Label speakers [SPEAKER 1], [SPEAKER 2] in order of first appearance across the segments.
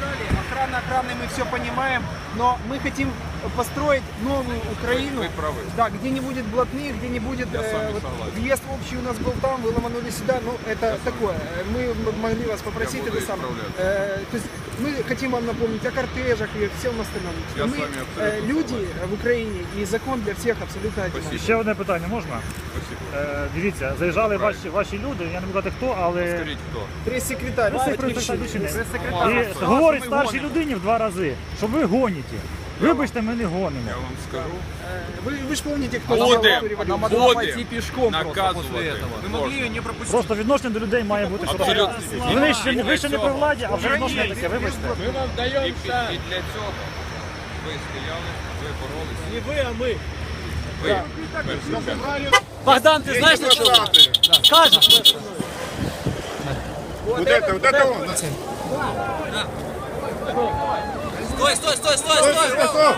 [SPEAKER 1] сказали, охрана, мы все понимаем, но мы хотим построить новую Украину,
[SPEAKER 2] Вы правы.
[SPEAKER 1] да, где не будет блатных, где не будет
[SPEAKER 2] согласен.
[SPEAKER 1] въезд общий у нас был там, вы ломанули сюда, ну это такое. Мы могли вас попросить,
[SPEAKER 2] буду
[SPEAKER 1] это самое.
[SPEAKER 2] исправляться.
[SPEAKER 1] То есть мы хотим вам напомнить о кортежах и всем остальном.
[SPEAKER 2] Я
[SPEAKER 1] Мы,
[SPEAKER 2] с вами абсолютно
[SPEAKER 1] люди
[SPEAKER 2] согласен.
[SPEAKER 1] в Україні і закон для всіх абсолютно одинаковий.
[SPEAKER 3] Ще одне питання можна?
[SPEAKER 2] Спасибо.
[SPEAKER 3] Дивіться, заїжджали ваші люди, я не буду казати хто, але
[SPEAKER 2] Скажіть, хто?
[SPEAKER 1] Прес-секретарь,
[SPEAKER 3] прес-секретар
[SPEAKER 1] Батьківщини.
[SPEAKER 3] і говорить старшій людині в 2 рази, що ви гоніте. Вибачте, ми не гонимо.
[SPEAKER 2] Я вам скажу.
[SPEAKER 1] Ви ж пам'ятаєте, хто зробив революцію?
[SPEAKER 2] Будем наказувати. Можна.
[SPEAKER 3] Просто відношення до людей має бути
[SPEAKER 2] Абсолютно.
[SPEAKER 3] Ви ще не при владі, а вже відношення таке, вибачте.
[SPEAKER 2] Ми вам даємо і для цього ви стояли, ви боролися.
[SPEAKER 4] Не вы, а мы.
[SPEAKER 2] Ви.
[SPEAKER 4] Богдан, ты знаешь, что скажешь?
[SPEAKER 5] Вот это он.
[SPEAKER 4] Стой!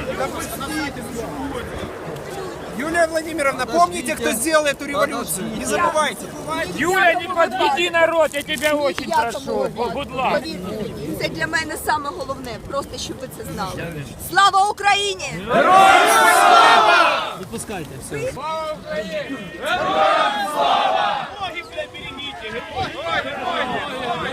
[SPEAKER 1] Юлия Владимировна, помните, кто сделал эту революцию? Не забывайте.
[SPEAKER 6] Юля, не подведи народ, я тебя очень прошу. Будь ласка.
[SPEAKER 7] Це для мене саме головне, просто щоб ви це знали. Слава Україні!
[SPEAKER 4] Выпускайте все.
[SPEAKER 6] Ноги, бля, берегите.